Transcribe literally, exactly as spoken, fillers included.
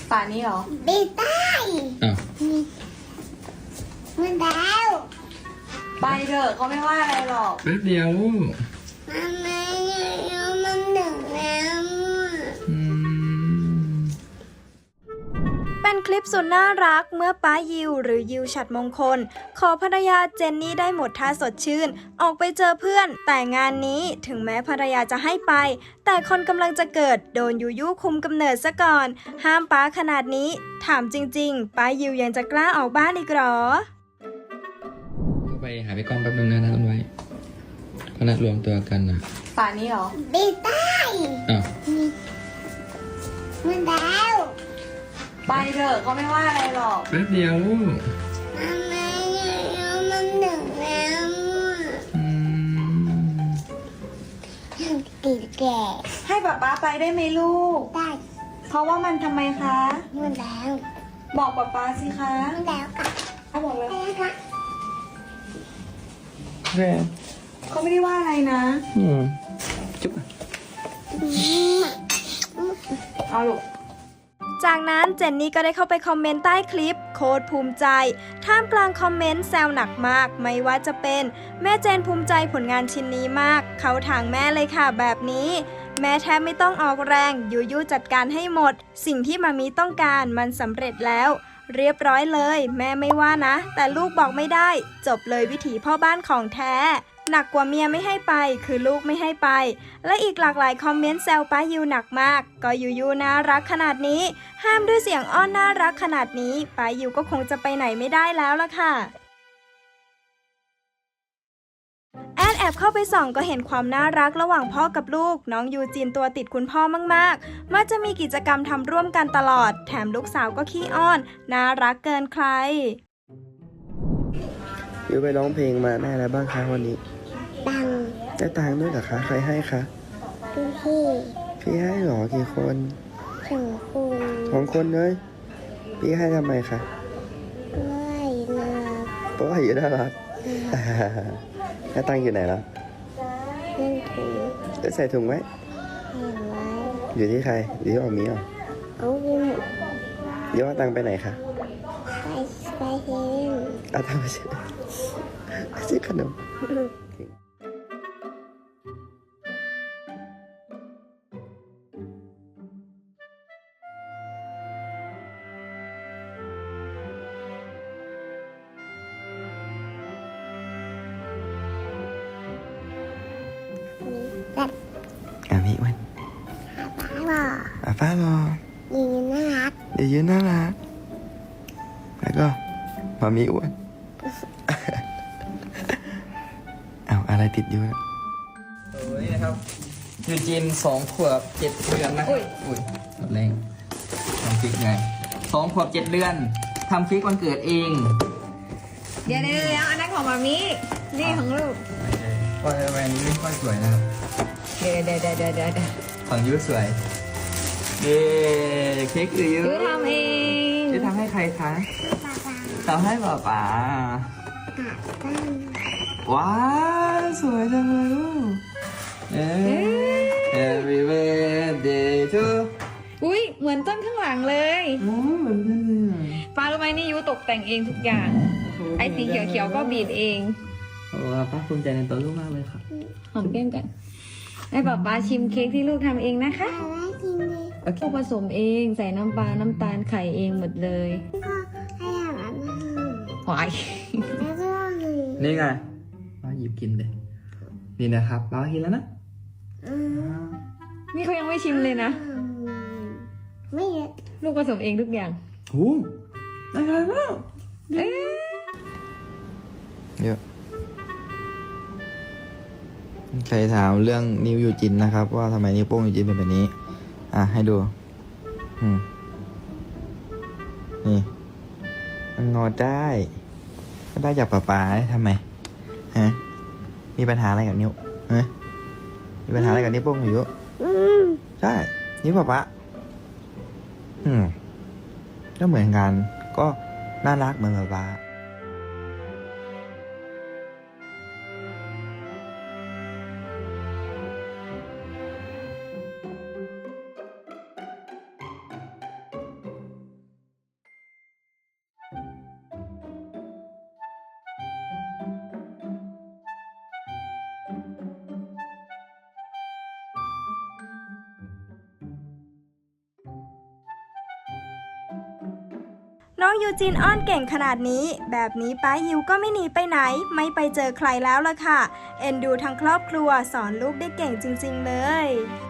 ฝานี้เหรอไม่ได้อ้าวมันแล้วไปเถอะเขาไม่ว่าอะไรหรอกแป๊บเดียวมันไม่แล้วมันหนึ่งแล้วอืมเป็นคลิปสุดน่ารักเมื่อป้ายิวหรือยิวฉัตรมงคลขอภรรยาเจนนี่ได้หมดท่าสดชื่นออกไปเจอเพื่อนแต่งานนี้ถึงแม้ภรรยาจะให้ไปแต่คนกำลังจะเกิดโดนยูยูคุมกำเนิดซะก่อนห้ามป้าขนาดนี้ถามจริงๆป้ายิวยังจะกล้าออกบ้านอีกหรอก็ไปหาพี่ก้องแป๊บนึงนะนะต้นไว้เขานัดรวมตัวกันนะฝานี้เหรอไม่ได้อ้าวมันแล้วไปเถอะเขาไม่ว่าอะไรหรอกแป๊บเดียวมันไม่แล้วมันหนึ่งแล้วอืมติดแก่ให้ป๊าป๊าไปได้ไหมลูกได้เพราะว่ามันทำไมคะมันแล้วบอกป๊าป๊าสิคะมันแล้วค่ะเขาบอกแล้วค่ะแม่เขาไม่ได้ว่าอะไรนะอืมจุ๊บเอาลูกจากนั้นเจนนี่ก็ได้เข้าไปคอมเมนต์ใต้คลิปโคตรภูมิใจท่ามกลางคอมเมนต์แซวหนักมากไม่ว่าจะเป็นแม่เจนภูมิใจผลงานชิ้นนี้มากเขาทางแม่เลยค่ะแบบนี้แม่แทบไม่ต้องออกแรงยูยูจัดการให้หมดสิ่งที่มามีต้องการมันสำเร็จแล้วเรียบร้อยเลยแม่ไม่ว่านะแต่ลูกบอกไม่ได้จบเลยวิถีพ่อบ้านของแท้หนักกว่าเมียไม่ให้ไปคือลูกไม่ให้ไปและอีกหลากหลายคอมเมนต์แซวป้ายูหนักมากก็ยูยูน่ารักขนาดนี้ห้ามด้วยเสียงอ้อนน่ารักขนาดนี้ป้ายูก็คงจะไปไหนไม่ได้แล้วล่ะค่ะแอดแอบเข้าไปส่องก็เห็นความน่ารักระหว่างพ่อกับลูกน้องยูจินตัวติดคุณพ่อมากๆมักจะมีกิจกรรมทำร่วมกันตลอดแถมลูกสาวก็ขี้อ้อนน่ารักเกินใครยูไปร้องเพลงมาได้อะไรบ้างคะวันนี้ตังได้ตังค์ด้วยเหรอคะใครให้คะพี่พี่พี่ให้หรอกี่คนสองคนสองคนเลยพี่ให้ทำไมคะไม่นะเพราะว่าอยู่น่ารักแล้วตังค์อยู่ไหนแล้วเล่นถุงจะใส่ถุงไหมเห็นไว้อยู่ที่ใครอยู่ที่ออมีเหรอเอาไปหมดเดี๋ยวเอาตังค์ไปไหนคะไปไปเฮนเอาตังค์ไปซื้อซื้อขนมอ่ะพี่อ้วนป้าป้าบอกป้าป้าบอกยืนน่ารักเดี๋ยวยืนน่ารักแล้วก็มามีอ้วนเอาอะไรติดอยู่นะโอ้ยนะครับยูจีนสองขวบเจ็ดเดือนนะอุ้ยอุ้ยแรงทำคลิกไงสองขวบเจ็ดเดือนทำคลิกวันเกิดเองเดี๋ยวเดี๋ยวอันนั้นของมามินี่ของลูกก็แหวนนี้ไม่ค่อยสวยนะครับเดี๋ยวเดี๋ยวเดี๋ยวเดี๋ยวเดี๋ยวของยูสวยเย้เค้กคือยูยูทำเองยูทำให้ใครคะทำให้ป๊าป๊าว้าวสวยจังเลยลูกเอ๊ะ Happy birthday to อุ้ยเหมือนต้นข้างหลังเลยอ๋อเหมือนกันเลยป้ารู้ไหมนี่ยูตกแต่งเองทุกอย่างไอ้สีเขียวๆก็บีบเองโอ้ป้าภูมิใจในตัวลูกมากเลยครับหอมแก้มกันให้ป๊าป๊าชิมเค้กที่ลูกทำเองนะคะลูกผสมเองใส่น้ำปลาน้ำตาลไข่เองหมดเลยหวายนี่ไงป้าหยิบกินเลยนี่นะครับป้ากินแล้วนะนี่เขายังไม่ชิมเลยนะไม่ลูกผสมเองทุกอย่างโอ้ได้เลยมากเยอะใครถามเรื่องนิ้วยูจินนะครับว่าทำไมนิ้วโป้งยูจินเป็นแบบนี้อ่ะให้ดูอืมนี่มันงอได้ก็ได้จากป๊าป๊าทำไมฮะมีปัญหาอะไรกับนิ้วฮะมีปัญหาอะไรกับนิ้วโป้งอยู่ใช่นิ้วป๊าป๊าอืมก็เหมือนกันก็น่ารักเหมือนป๊าป๊าน้องยูจินอ้อนเก่งขนาดนี้แบบนี้ป้ายิวก็ไม่หนีไปไหนไม่ไปเจอใครแล้วล่ะค่ะเอ็นดูทั้งครอบครัวสอนลูกได้เก่งจริงๆเลย